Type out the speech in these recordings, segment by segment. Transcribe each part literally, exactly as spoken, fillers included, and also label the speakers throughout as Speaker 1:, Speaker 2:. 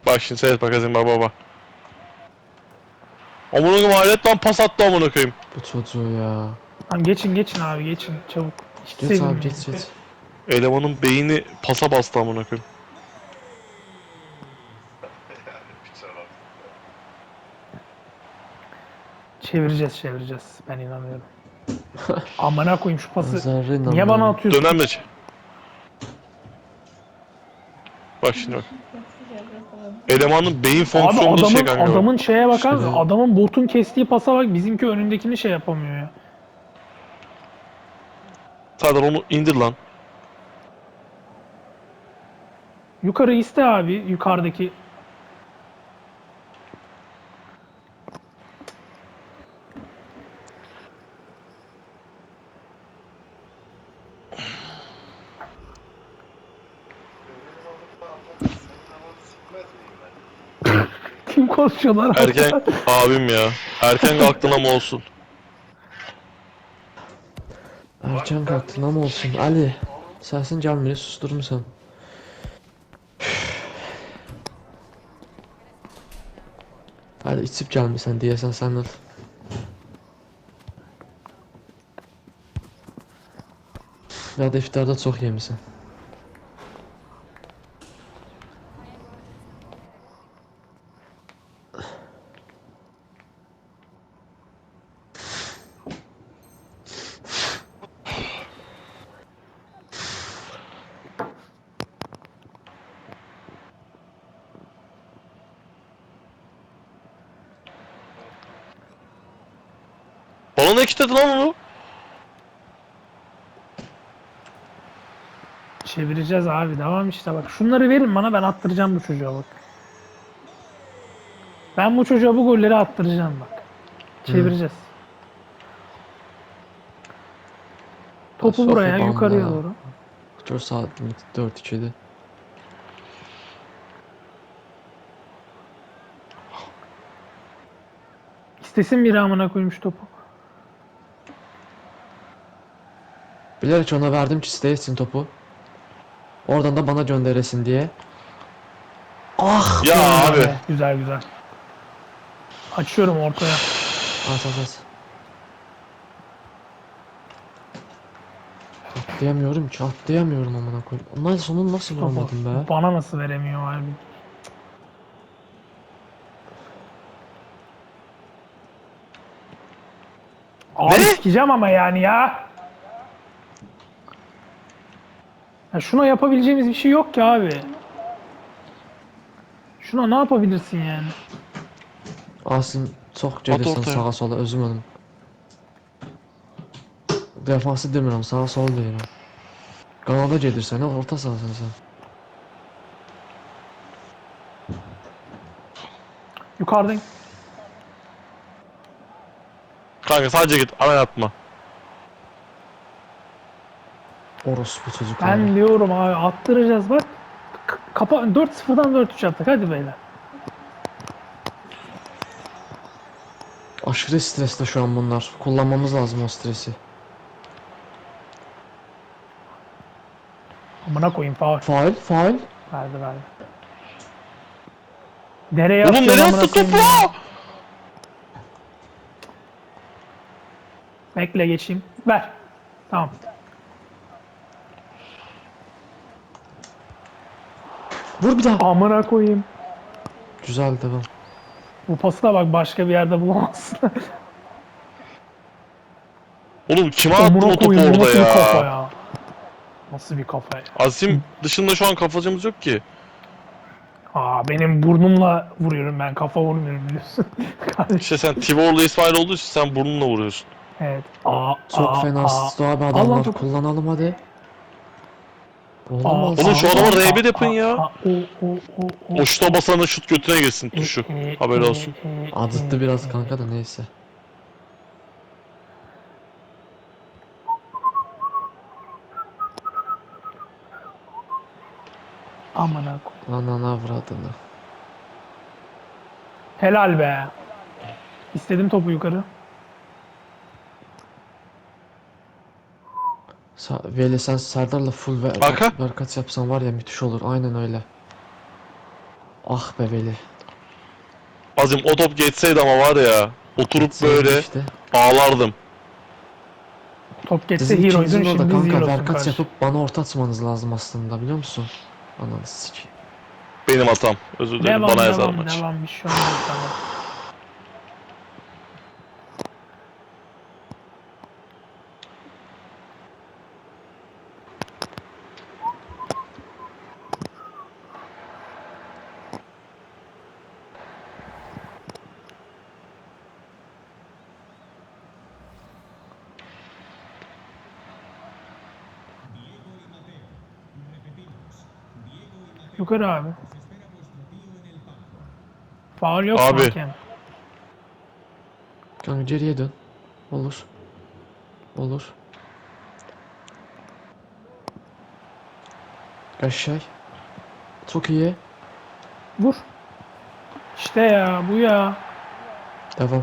Speaker 1: Bak şimdi seyret bak Azim baba baba. Amına koyayım alet lan pas attı amına koyayım.
Speaker 2: Bu çocuğu ya.
Speaker 3: Tamam geçin geçin abi geçin çabuk. Hiç
Speaker 2: Geç abi
Speaker 3: sevinmeyin.
Speaker 2: geç geç.
Speaker 1: Elemanın beyni pasa bastı amına koyayım.
Speaker 3: Çevireceğiz çevireceğiz. Ben inanıyorum. Amına koyayım şu pası.
Speaker 2: Zerre
Speaker 3: Niye
Speaker 2: inanmıyorum.
Speaker 3: bana atıyorsun?
Speaker 1: Dönem de ç- Bak şimdi bak. Elemanın beyin
Speaker 3: Abi
Speaker 1: fonksiyonu şey
Speaker 3: adamın,
Speaker 1: kanka. bak.
Speaker 3: adamın şeye bakar mısın?
Speaker 2: Şöyle-
Speaker 3: Adamın botun kestiği pasa bak, bizimki önündekini şey yapamıyor ya.
Speaker 1: Serdar onu indir lan.
Speaker 3: Yukarı iste abi, yukarıdaki. Kim konuşuyorlar?
Speaker 1: Erken abim ya. Erken kalktın ama olsun.
Speaker 2: Erken kalktın ama olsun. Ali. Sesin gelmiyor, susturmuşsun. Hadi içip gelmişsən deyəsən sən ol. Ya da iftarda çox yemisən.
Speaker 1: Bana ne kilitledi lan onu?
Speaker 3: Çevireceğiz abi, devam işte bak. Şunları verin bana, ben attıracağım bu çocuğa bak. Ben bu çocuğa bu golleri attıracağım bak. Çevireceğiz. Topu
Speaker 2: Sofi
Speaker 3: buraya,
Speaker 2: bamba
Speaker 3: yukarıya
Speaker 2: ya.
Speaker 3: doğru.
Speaker 2: dörd saat dörd ikidir.
Speaker 3: İstesin biri amına koymuş topu.
Speaker 2: Bilerek ona verdim ki istəyirsin topu. Oradan da bana gönderesin diye. Ah!
Speaker 1: Ya abi.
Speaker 3: Güzel, güzel güzel. Açıyorum ortaya.
Speaker 2: At at at. Atlayamıyorum ki, atlayamıyorum amına koyayım. Ondan sonu nasıl
Speaker 3: Topu
Speaker 2: vuramadım be?
Speaker 3: bana nasıl veremiyor abi? Abi
Speaker 1: Ne?
Speaker 3: sikeceğim ama yani ya. Ya şuna yapabileceğimiz bir şey yok ki abi. Şuna ne yapabilirsin yani?
Speaker 2: Asim çok gelirsən
Speaker 1: ortaya.
Speaker 2: sağa sola özüm önüm. Defansı demirəm, sağa sola deyirəm. Qanada gedirsən, ha, orta sahasan sən.
Speaker 3: Yukarıdayım.
Speaker 1: Kanka sadece git ana atma.
Speaker 2: Orospu çocuklar.
Speaker 3: Ben diyorum abi attıracağız bak. K- Kapa dört sıfırdan dört üç yaptık, hadi beyler.
Speaker 2: Aşırı stresli şu an bunlar. Kullanmamız lazım o stresi.
Speaker 3: Amına koyayım faul.
Speaker 2: Faul, faul.
Speaker 3: Verdi verdi. Nereye
Speaker 1: Oğlum
Speaker 3: atıyorsun
Speaker 1: nereye
Speaker 3: amına
Speaker 1: attı
Speaker 3: koyayım
Speaker 1: topu?
Speaker 3: ya? Bekle geçeyim. Ver. Tamam.
Speaker 2: Vur bir daha.
Speaker 3: Amına koyayım.
Speaker 2: Güzel devam.
Speaker 3: Bu pası da bak başka bir yerde bulamazsın.
Speaker 1: Oğlum kime attın
Speaker 3: Amına
Speaker 1: o topu
Speaker 3: koyayım, bu
Speaker 1: orada
Speaker 3: nasıl bir kafa
Speaker 1: ya?
Speaker 3: ya? Nasıl bir kafa ya?
Speaker 1: Asim dışında şu an kafacımız yok ki.
Speaker 3: Aa benim burnumla vuruyorum, ben kafa vurmuyorum biliyorsun. Kardeşim.
Speaker 1: İşte sen Tivor'la İsmail olduğu için sen burnunla vuruyorsun.
Speaker 3: Evet. Aa,
Speaker 2: Çok
Speaker 3: aa,
Speaker 2: fena
Speaker 3: aa.
Speaker 2: asist abi
Speaker 3: Al lan
Speaker 2: adamlar.
Speaker 3: topu.
Speaker 2: Kullanalım hadi. Oğlum
Speaker 3: Aa,
Speaker 2: al
Speaker 1: Oğlum
Speaker 2: sen.
Speaker 1: şu
Speaker 3: aa,
Speaker 1: adama
Speaker 3: aa,
Speaker 1: R bir yapın
Speaker 3: aa,
Speaker 1: ya.
Speaker 3: aa, o, o, o, o.
Speaker 1: O şuta basana şut götüne girsin tuşu.
Speaker 3: E, e,
Speaker 1: Haberi
Speaker 3: e,
Speaker 1: olsun.
Speaker 3: e,
Speaker 2: Acıttı
Speaker 3: e,
Speaker 2: biraz
Speaker 3: e.
Speaker 2: kanka da neyse.
Speaker 3: Amına koyayım.
Speaker 2: Anana avradını.
Speaker 3: Helal be. İstedim topu yukarı.
Speaker 2: Sa Veli sen Serdar'la full ve
Speaker 1: Arka.
Speaker 2: Berkat yapsan var ya müthiş olur. Aynen öyle. Ah be Veli.
Speaker 1: Azim o top geçseydi ama var ya. Oturup
Speaker 2: Geçseydi
Speaker 1: böyle
Speaker 2: işte.
Speaker 1: ağlardım.
Speaker 3: Top geçse
Speaker 2: Sizin
Speaker 3: hero'ydun,
Speaker 2: ikinizin orada
Speaker 3: şimdi
Speaker 2: kanka
Speaker 3: zero'sun
Speaker 2: verkaç
Speaker 3: karşı.
Speaker 2: yapıp bana orta atmanız lazım aslında biliyor musun? Ananı sikeyim.
Speaker 1: Benim hatam. Özür dilerim.
Speaker 3: Devam
Speaker 1: Bana yazar
Speaker 3: devam
Speaker 1: maç.
Speaker 3: devam, bir şey olmaz, tamam. Yukarı abi. Faul yok mu
Speaker 1: Abi.
Speaker 3: hakem?
Speaker 2: Kanka geriye dön. Olur. Olur. Aşağı. Çok iyi.
Speaker 3: Vur. İşte ya, bu ya.
Speaker 2: Devam.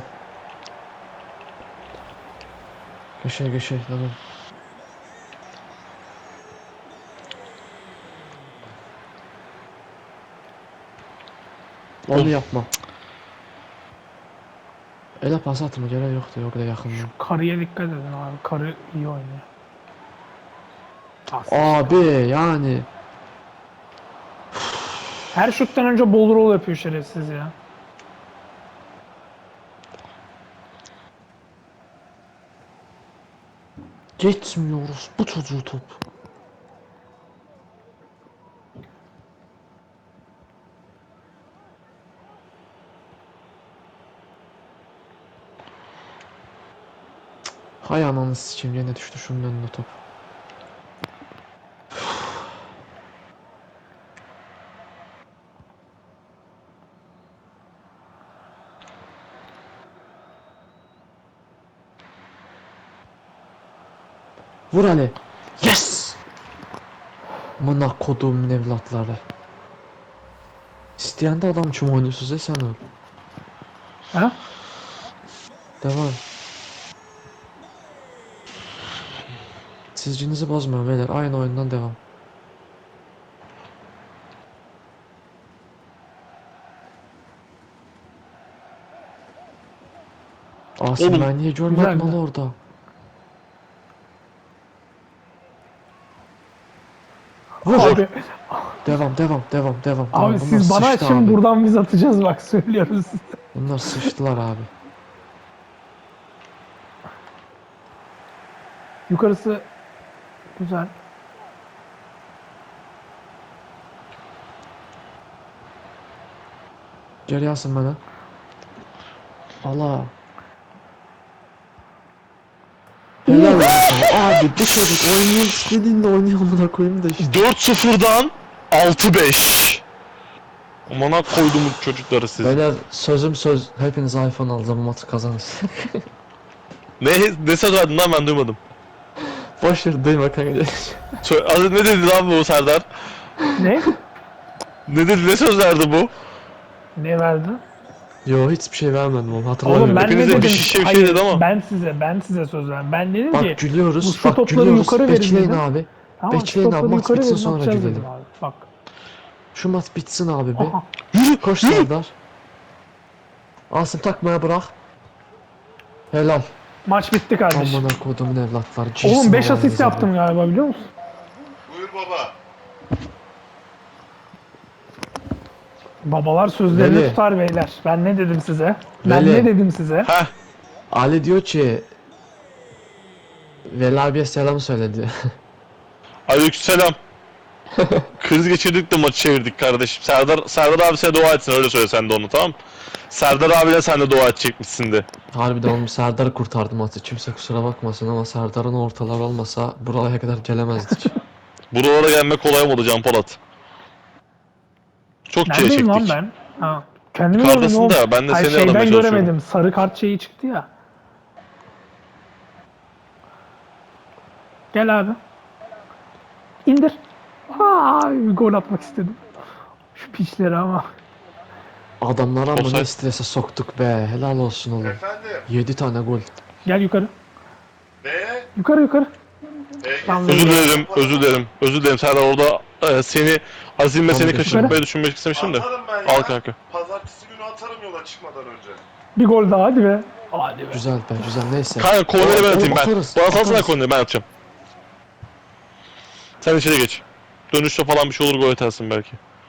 Speaker 2: Aşağı aşağı devam. Onu
Speaker 1: Of.
Speaker 2: yapma. Ele pas atma gerek yoktu yok da yakından.
Speaker 3: Karıya dikkat edin abi. Karı iyi oynuyor. As.
Speaker 2: Abi yani.
Speaker 3: Her şuttan önce ball roll yapıyor şerefsiz ya.
Speaker 2: Geçmiyoruz bu çocuğu top. Hay ananı sikeyim yine düştü şunun önüne top. Vur Ali. Yes! Mına koduğumun evlatları. İsteyen de adam için oynuyorsunuz ya sen öl.
Speaker 3: Ha?
Speaker 2: Devam. Sizcinizi bozmayın beyler. Aynı oyundan devam. Asım
Speaker 1: Oğlum,
Speaker 2: ben niye görmedim
Speaker 3: güzel
Speaker 2: onu
Speaker 3: de.
Speaker 2: orada? Vur.
Speaker 3: Abi,
Speaker 2: Devam devam devam devam.
Speaker 3: abi
Speaker 2: devam.
Speaker 3: siz bana
Speaker 2: sıçtı
Speaker 3: açın,
Speaker 2: abi.
Speaker 3: buradan biz atacağız bak, söylüyoruz.
Speaker 2: Bunlar sıçtılar abi.
Speaker 3: Yukarısı güzel.
Speaker 2: Geri alsın bana. Allah. Helal lan sana. Abi bu çocuk oynuyor istediğinde oynuyor amına koyayım da işte.
Speaker 1: dört sıfırdan altı beş. Amına koydum bu çocukları siz.
Speaker 2: Beyler sözüm söz. Hepiniz iPhone alacağım maçı kazanırsın.
Speaker 1: Ne, ne söz verdin lan, ben duymadım.
Speaker 2: Boş ver duyma kanka.
Speaker 1: Sö- Az- ne dedi lan bu Serdar?
Speaker 3: Ne?
Speaker 1: Ne dedi, ne söz verdi bu?
Speaker 3: Ne verdi?
Speaker 2: Yo hiçbir şey vermedim oğlum hatırlamıyorum.
Speaker 3: Oğlum ben
Speaker 1: Hepinize
Speaker 3: ne
Speaker 1: bir
Speaker 3: dedim?
Speaker 1: şişe bir şey
Speaker 3: Hayır,
Speaker 1: dedi ama.
Speaker 3: ben size ben size söz verdim. Ben dedim ki
Speaker 2: Bak gülüyoruz.
Speaker 3: bu şu
Speaker 2: Bak
Speaker 3: topları
Speaker 2: gülüyoruz.
Speaker 3: yukarı verin
Speaker 2: Bekleyin
Speaker 3: dedim.
Speaker 2: abi.
Speaker 3: tamam, şu
Speaker 2: bekleyin abi,
Speaker 3: topları
Speaker 2: maç
Speaker 3: yukarı
Speaker 2: bitsin
Speaker 3: verin,
Speaker 2: sonra
Speaker 3: atacağız
Speaker 2: gülelim.
Speaker 3: dedim abi. Bak.
Speaker 2: Şu maç bitsin abi be.
Speaker 3: Aha.
Speaker 2: Koş Serdar. Asım takmaya bırak. Helal.
Speaker 3: Maç bitti kardeşim.
Speaker 2: Amına kodumun evlatları.
Speaker 3: Oğlum beş asist
Speaker 2: Cisim
Speaker 3: yaptım galiba, biliyor musun?
Speaker 4: Buyur baba.
Speaker 3: Babalar sözlerini
Speaker 2: Veli.
Speaker 3: tutar beyler. Ben ne dedim size? Ben
Speaker 2: Veli.
Speaker 3: ne dedim size?
Speaker 1: Heh.
Speaker 2: Ali diyor ki Veli abiye selam söyledi.
Speaker 1: Aleykümselam. Kriz geçirdik de maçı çevirdik kardeşim. Serdar Serdar abi sana dua etsin, öyle söyle sen de onu, tamam. Serdar abiyle sen de dua edecekmişsin de.
Speaker 2: Harbiden oğlum Serdar'ı kurtardı maçı. Kimse kusura bakmasın ama Serdar'ın ortalar olmasa buraya kadar gelemezdik.
Speaker 1: Buralara gelmek kolay mı oldu Can Polat? Çok çile
Speaker 3: Neredeyim lan
Speaker 1: çektik.
Speaker 3: ben? Ha. Kendimi
Speaker 1: Yukarıdasın
Speaker 3: gördüm oğlum.
Speaker 1: da ben de
Speaker 3: Hayır,
Speaker 1: seni aramaya
Speaker 3: şeyden
Speaker 1: çalışıyorum.
Speaker 3: göremedim. Sarı kart şeyi çıktı ya. Gel abi. İndir. Aa, bir gol atmak istedim. Şu piçleri ama.
Speaker 2: Adamlara ama
Speaker 1: Offside.
Speaker 2: ne strese soktuk be. Helal olsun oğlum.
Speaker 4: Efendim.
Speaker 2: yedi tane gol.
Speaker 3: Gel yukarı.
Speaker 4: Ne?
Speaker 3: Yukarı yukarı.
Speaker 4: E,
Speaker 3: Tamam,
Speaker 1: Özür dilerim, özür dilerim, özür dilerim Serdar, orada e, seni Azim meseleyi
Speaker 2: Tamam,
Speaker 1: kaçırmayı düşünmek istemiştim de.
Speaker 4: Atarım ben ya.
Speaker 1: Al kanka.
Speaker 4: Pazartesi günü atarım yola çıkmadan önce.
Speaker 3: Bir gol daha hadi be. Hadi be.
Speaker 2: Güzel be güzel neyse.
Speaker 1: Kanka korneri ben
Speaker 2: Oğlum,
Speaker 1: atayım ben.
Speaker 2: atarız,
Speaker 1: Bana salsana
Speaker 2: atarız.
Speaker 1: korneri ben atacağım. Sen içeri geç. Dönüşte falan bir şey olur gol atarsın belki.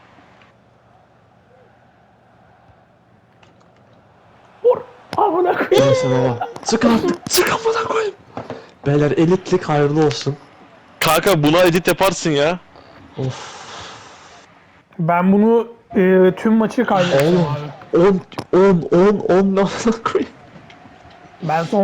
Speaker 3: Vur. Amına koyayım.
Speaker 2: Neyse baba. Sık artık. Sık amına koyayım. Beyler elitlik hayırlı olsun.
Speaker 1: Kanka buna edit yaparsın ya.
Speaker 2: Of.
Speaker 3: Ben bunu e, tüm maçı kaybettim
Speaker 2: Oğlum.
Speaker 3: abi.
Speaker 2: on on on on ne amına koyayım.
Speaker 3: Ben son